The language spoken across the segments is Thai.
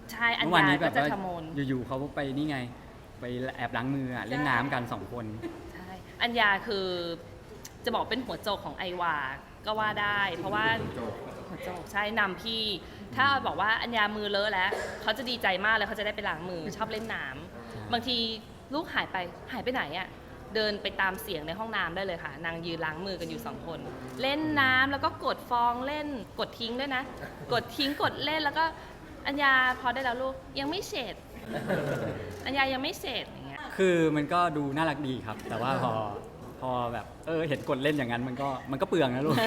ใช่อัญเมื่อวานญานี้แบก็บจะว่าทำโมนอยู่ๆเขาไปนี่ไง ไปแอบล้างมือเล่นน้ำกัน2 คนใช่อัญญาคือจะบอกเป็นหัวโจกของไอวาก็ว่าได้ เพราะว่าหัวโจกใช่นำพี่ ถ้าบอกว่าอัญญามือเลอะแล้วเขาจะดีใจมากเลยเขาจะได้ไปล้างมือชอบเล่นน้ำบางทีลูกหายไปไหนอะเดินไปตามเสียงในห้องน้ำได้เลยค่ะนางยืนล้างมือกันอยู่2 คน เล่นน้ำแล้วก็กดฟองเล่นกดทิ้งด้วยนะ กดทิ้งกดเล่นแล้วก็อัญญาพอได้แล้วลูกยังไม่เสร็จอัญญายังไม่เสร็จอย่างเงี้ยคือมันก็ดูน่ารักดีครับ แต่ว่าพอแบบเห็นกดเล่นอย่างนั้นมันก็เปลืองนะลูก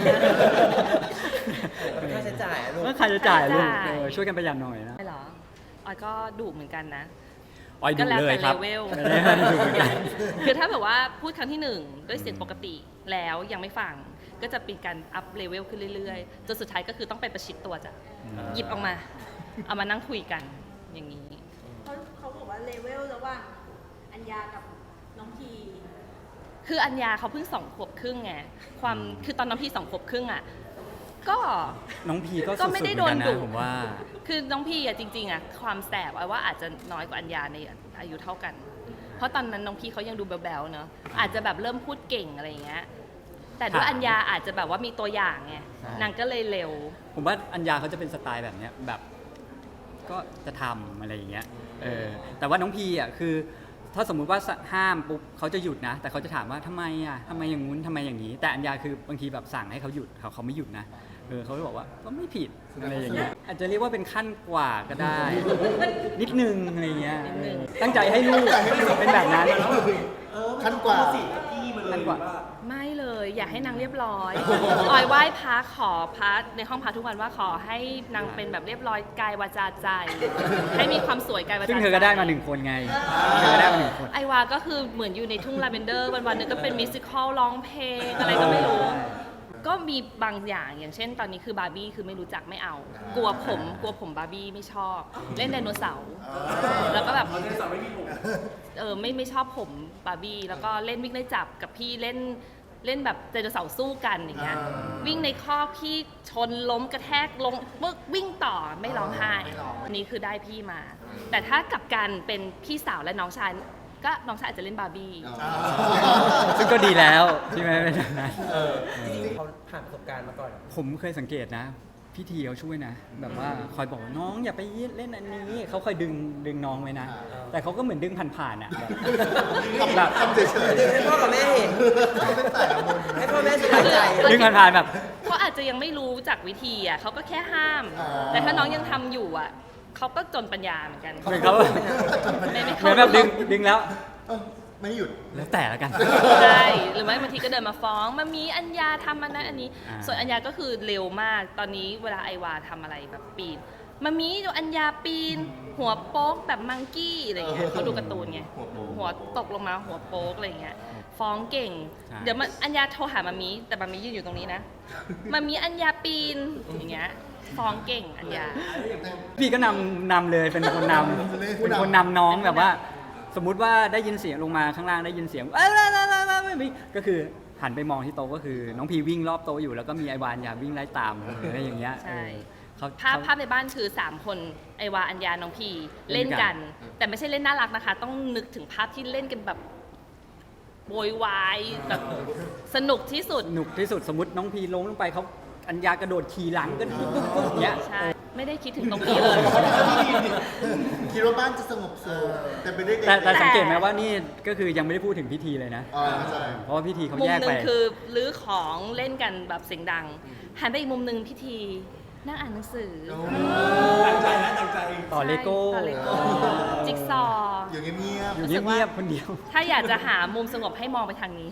ค่าใช้จ่ายอะลูกเมื่อใครจะจ่ายลูกค่าใช้จ่ายช่วยกันประหยัดหน่อยนะไม่หรอออยก็ดุเหมือนกันนะออยดูเลยครับก็แล้วแต่เลเวลไม่ได้ดูเหมือนกันคือถ้าแบบว่าพูดครั้งที่1ด้วยเสียงปกติแล้วยังไม่ฟังก็จะเป็นการอัพเลเวลขึ้นเรื่อยๆจนสุดท้ายก็คือต้องไปประชิดตัวจ้ะหยิบออกมาเอามานั่งคุยกันอย่างนี้เขาบอกว่าเลเวลระหว่างอัญญากับน้องพีคืออัญญาเขาเพิ่ง2 ขวบครึ่งไงคือตอนน้องพี่2 ขวบครึ่งอ่ะก็น้องพีก็ก็สุดๆเหไม่มืได้อนโดกัน นดุนะผมว่าคือน้องพี่อะจริงๆอะความแสบอะว่าอาจจะน้อยกว่าอัญญาในอายุเท่ากัน เพราะตอนนั้นน้องพี่เขายังดูแบ๊วๆเนอะอาจจะแบบเริ่มพูดเก่งอะไรอย่างเงี้ยแต่ด้วยอัญญาอาจจะแบบว่ามีตัวอย่างไงใช่นางก็เลยเร็วผมว่าอัญญาเขาจะเป็นสไตล์แบบเนี้ยแบบก็จะทำอะไรอย่างเงี้ยแต่ว่าน้องพีอ่ะคือถ้าสมมุติว่าห้ามปุ๊บเขาจะหยุดนะ แต่เขาจะถามว่าทำไมอ่ะทำไมอย่างงู้นทำไมอย่างนี้ แต่อัญญาคือบางทีแบบสั่งให้เขาหยุดเขาไม่หยุดนะเขาจะบอกว่าก็ไม่ผิดอะไรอย่างเงี้ยอาจจะเรียกว่าเป็นขั้นกว่าก็ได้ นิดนึงอะไรอย่างเงี้ยนิดนึงตั้งใจให้ลูกเป็นแบบนั้นขั้นกว่าขั้นกว่าไม่เลยอยากให้นางเรียบร้อยออยไหว้พระขอพระในห้องพระทุกวันว่าขอให้นางเป็นแบบเรียบร้อยกายวาจาใจ ให้มีความสวยกายวาจาใจซึ่งเธอก็ได้มา1 คนไงเธอก็ได้มา1 คนไอวาก็คือเหมือนอยู่ในทุ่งลาเวนเดอร์วันๆนึงก็เป็นมิวสิควลร้องเพลงอะไรก็ไม่รู้ ก็มีบางอย่างอย่างเช่นตอนนี้คือบาร์บี้คือไม่รู้จักไม่เอา กลัวผมบาร์บี้ไม่ชอบ เล่นไดโนเสาร์แล้วก็แบบไม่ชอบผมบาร์บี้แล้วก็เล่นวิ่งไล่จับกับพี่เล่นแบบไดโนเสาร์สู้กันอย่างเงี้ยวิ่งในคอกพี่ชนล้มกระแทกลงปึ๊กวิ่งต่อไม่ร้องไห้อันนี้คือได้พี่มา แต่ถ้ากลับกันเป็นพี่สาวและน้องชายก็น้องชายอาจจะเล่นบาร์บี้ซึ่งก็ดีแล้วที่ไม่เป็นแบบนั้นจริงๆเขาผ่านประสบการณ์มาก่อนผมเคยสังเกตนะพี่ทีเขาช่วยนะ แบบว่าคอยบอกว่าน้องอย่าไปเล่นอันนี้เขาคอยดึงน้องไว้นะ แต่เขาก็เหมือนดึงผ่านๆอ่ะแบบทำเฉยให้พ่อกับแม่เห็นๆเป็นสายละมุนให้พ่อแม่สบายใจดึงผ่านๆแบบเขาอาจจะยังไม่รู้จากวิธีอ่ะเขาก็แค่ห้าม แต่ถ้าน้องยังทำอยู่อ่ะเขาก็จนปัญญาเหมือนกันเหมือนเขาไม่เหมือนแบบดึงแล้วไม่หยุดแล้วแต่ละกันใช่หรือไม่บางทีก็เดินมาฟ้องมันมีอัญญาทำอันนั้นอันนี้ ส่วนอัญญาก็คือเร็วมากตอนนี้เวลาไอวาทำอะไรแบบปีนมันมีดูอัญญาปีน หัวโป๊กแบบมังกี้อะไรเงี้ยเขาดูการ์ตูนไงหัวตกลงมาหัวโป๊กอะไรเงี้ยฟ้องเก่งใช่เดี๋ยวมันอัญญาโทรหามามีแต่มามียืนอยู่ตรงนี้นะมามีอัญญาปีนอย่างเงี้ยฟ้องเก่งอัญญาพี่ก็นำเลยเป็นคนนำเป็นคนนำน้องแบบว่า สมมุติว่าได้ยินเสียงลงมาข้างล่างได้ยินเสียงก็คือหันไปมองที่โต๊ะก็คือน้องพีวิ่งรอบโต๊ะอยู่แล้วก็มีไอวานยาวิ่งไล่ตามอะไรอย่างเงี้ยใช่เขาภาพในบ้านคือ 3 คนไอวาอัญญาน้องพีเล่นกัน แต่ไม่ใช่เล่นน่ารักนะคะ ต้องนึกถึงภาพที่เล่นกันแบบโวยวายแบบสนุกที่สุดหนุกที่สุดสมมติน้องพีล้มลงไปเขาอัญญากระโดดขี่หลังก็ปุ๊บอย่างเงี้ยใช่ ไม่ได้คิดถึงตรงนี้เลยคิดว่าบ้านจะสงบสุขแต่ไปได้เด็กแต่สังเกตไหมว่านี่ก็คือยังไม่ได้พูดถึงพิธีเลยนะใช่เพราะว่าพิธีเขามุมแยกหไปนึ่งคือรื้อของเล่นกันแบบเสียงดัง หันไปอีกมุมหนึ่งพิธีนั่งอ่านหนังสือตั้งใจนะตั้งใจต่อเลโก้ใช่ต่อเลโก้จิ๊กซอว์อยู่เงียบอยู่เงียบๆคนเดียวถ้าอยากจะหามุมสงบให้มองไปทางนี้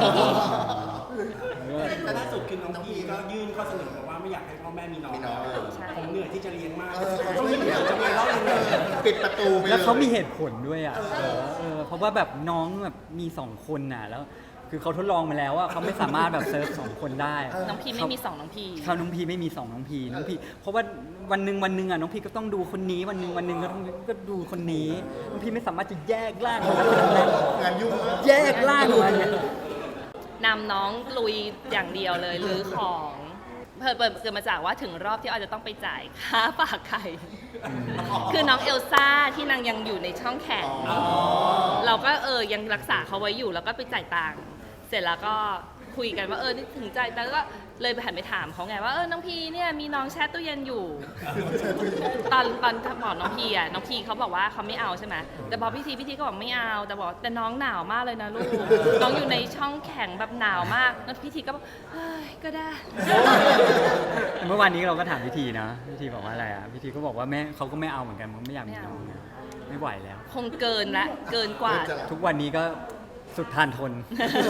แต่ล่าสุดคือน้องพีก็ยื่นข้อเสนอบอกว่าไม่อยากให้พ่อแม่มีน้องแล้วใช่ผมเหนื่อยที่จะเลี้ยงมากเขาต้องเหนื่อยจะไปเล่ายังไงปิดประตูไปเลยแล้วเขามีเหตุผลด้วยอ่ะเพราะว่าแบบน้องแบบมี2 คนน่ะแล้ว คือเขาทดลองมาแล้วว่าเขาไม่สามารถแบบเซิร์ฟ2 คนได้น้องพีไม่มี2น้องพีเขาน้องพีไม่มี2น้องพีเพราะว่าวันหนึ่งอ่ะน้องพีก็ต้องดูคนนี้วันหนึ่งก็ดูคนนี้น้องพีไม่สามารถจะแยกร่างของคนนั้นงานยุ่งมากแยกร่างออกมาเนี่ยนำน้องลุยอย่างเดียวเลยรื้อของเกิดมาจากว่าถึงรอบที่ออยจะต้องไปจ่ายค่าฝากไข่ คือน้องเอลซ่าที่นางยังอยู่ในช่องแข็งเราก็ยังรักษาเขาไว้อยู่แล้วก็ไปจ่ายตังค์เสร็จแล้วก็คุยกันว่านี่ถึงจ่ายตังค์แล้วก็เลยไปหันไปถามเขาไงว่าน้องพีเนี่ยมีน้องแช่ตู้เย็นอยู่ ตอนบอกน้องพีน้องพีเขาบอกว่าเขาไม่เอาใช่ไหมแต่บอกพี่ทีก็บอกไม่เอาแต่บอกแต่น้องหนาวมากเลยนะลูก น้องอยู่ในช่องแข็งแบบหนาวมากแล้วพี่ทีก็บอกเฮ้ยก็ได้เมื่อวานนี้เราก็ถามพิธีนะพิธีบอกว่าอะไรอ่ะพิธีก็บอกว่าแม่เขาก็ไม่เอาเหมือนกันเขาไม่อยากมีน้องนะไม่ไหวแล้วคงเกินละเกินกว่าทุกวันนี้ก็สุดทานทน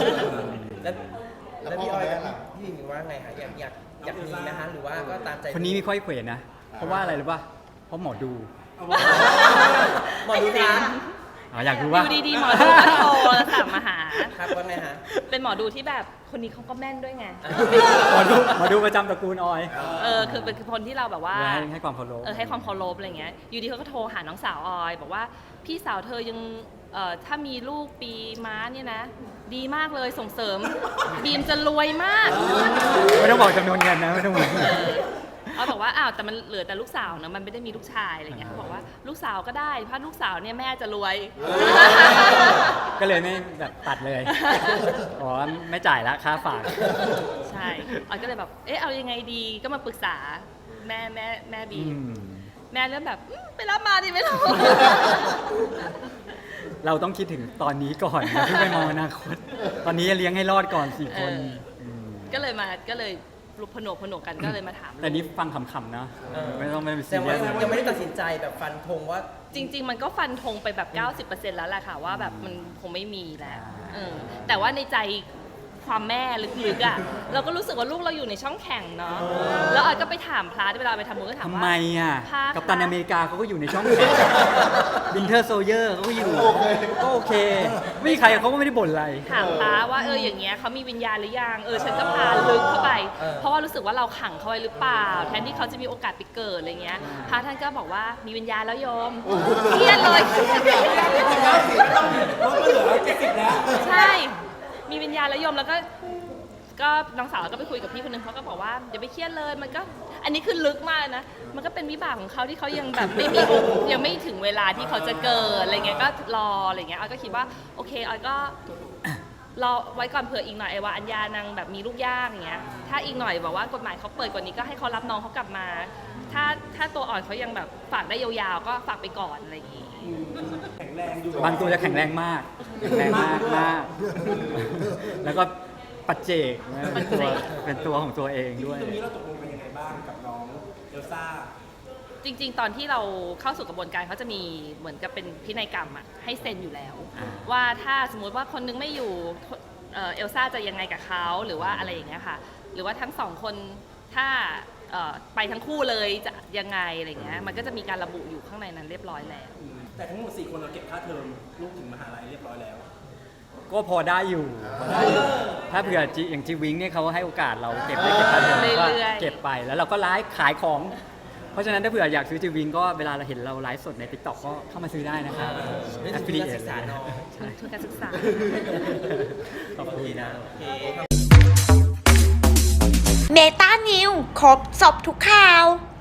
แล้วพี่ออยกับพี่หญิงว่าไงคะอยากมีนะคะหรือว่าก็ตามใจคนนี้มีค่อยเขวนะ เพราะว่าอะไรรู้ป่ะเพราะหมอดูหมอดูคะอยากรู้อว่ายู่ดีๆหมอดูก็โทรศัพท์มาหาครับว่าไงฮะเป็นหมอดูที่แบบคนนี้เขาก็แม่นด้วยไงหมอดูประจำตระกูลออยคือเป็นคนที่เราแบบว่าให้ความเคารพให้ความเคารพอะไรเงี้ย อยู่ดีเขาก็โทรหาน้องสาวออย บอกว่าพี่สาวเธอยังถ้ามีลูกปีม้าเนี่ยนะ ดีมากเลยส่งเสริม บีมจะรวยมากไม่ต้องบอกจำนวนเงินนะไม่ต้องบอกเขาบอกว่าอ้าวแต่มันเหลือแต่ลูกสาวนะมันไม่ได้มีลูกชายอะไรเงี้ยเขาบอกว่าลูกสาวก็ได้เพราะลูกสาวเนี่ยแม่จะรวยก็เลยไม่แบบตัดเลยอ๋อไม่จ่ายละค่าฝากใช่ออยก็เลยแบบเอายังไงดีก็มาปรึกษาแม่บีมแม่เริ่มแบบไปรับมาดิไม่รู้เราต้องคิดถึงตอนนี้ก่อนอย่าเพิ่งไปมองอนาคต ตอนนี้เลี้ยงให้รอดก่อน4 คนก็เลยลุกผนวกกันก็เลยมาถามแต่นี้ฟังขำๆนะไม่ต้องไปแต่ซีเรีว่ายสยังไม่ได้ตัดสินใจแบบฟันธงว่าจริง ๆ มันก็ฟันธงไปแบบ 90% แล้วแหละค่ะว่าแบบมันคงไม่มีแล้วแต่ว่าในใจความแม่ลึกๆอ่ะเราก็รู้สึกว่าลูกเราอยู่ในช่องแข่งเนาะแล้วออยก็ไปถามพระเวลาไปทำบุญก็ถามทำว่าไมอ่ะพระกัปตันอเมริกาเขาก็อยู่ในช่องแข่งวินเทอร์โซเยอร์เขาก็อยู่ก็โอเค ไม่มีใครเขาก็ไม่ได้บ่นอะไรถามพระว่าอย่างเงี้ยเขามีวิญญาณหรือยังฉันก็พาลึกเข้าไป เพราะว่ารู้สึกว่าเราขังเขาไว้หรือเปล่า แทนที่เขาจะมีโอกาสไปเกิดอะไรเงี้ยพระท่านก็บอกว่ามีวิญญาณแล้วโยมเครียดเลยเพราะก็เหลือ70แล้วใช่ มีวิญญาณแล้วโยมแล้วก็น้องสาวก็ไปคุยกับพี่คนนึงเขาก็บอกว่าอย่าไปเครียดเลยมันก็อันนี้คือลึกมากนะมันก็เป็นวิบากของเขาที่เขายังแบบไม่มียังไม่ถึงเวลาที่เขาจะเกิดอะไรเงี้ยก็รออะไรเงี้ยออยก็คิดว่าโอเคออยก็รอไว้ก่อนเผื่ออีกหน่อยไอ้ว่าอัญญานางแบบมีลูกยากอย่างเงี้ยถ้าอีกหน่อยบอกว่ากฎหมายเขาเปิดกว่านี้ก็ให้เขารับน้องเขากลับมา ถ้าตัวอ่อนเขายังแบบฝากได้ยาวๆก็ฝากไปก่อนอะไรอย่างงี้แข็งแรงอยู่บางตัวจะแข็งแรงมากแข็งแรงมาก แล้วก็ปัจเจกนะเป็นตัวของตัวเองด้วยตรงนี้เราตกลงกันยังไงบ้างกับน้องเอลซ่าจริงๆ ตอนที่เราเข้าสู่กระบวนการเขาจะมีเหมือนกับเป็นพินัยกรรมอะให้เซ็นอยู่แล้ว ว่าถ้าสมมุติว่าคนนึงไม่อยู่เอลซ่าจะยังไงกับเขาหรือว่าอะไรอย่างเงี้ยค่ะหรือว่าทั้งสองคนถ้าไปทั้งคู่เลยจะยังไงอะไรเงี้ยมันก็จะมีการระบุอยู่ข้างในนั้นเรียบร้อยแล้วแต่ทั้งหมด4 คนเราเก็บค่าเทอมลูกถึงมหาลัยเรียบร้อยแล้วก็พอได้อยู่ ถ้าเผื่ออย่างจีวิงเนี่ยเขาให้โอกาสเราเก็บได้เก็บค่าเทอมก็เก็บไปแล้วเราก็ไลฟ์ขายของ เพราะฉะนั้นถ้าเผื่ออยากซื้อจีวิงก็เวลาเราเห็นเราไลฟ์สดใน TikTok ก็เข้ามาซื้อได้นะครับได้ทุนการศึกษาน้องทุนการศึกษาขอบคุณนะโอเคเมตานิวครบสอบทุกข่าว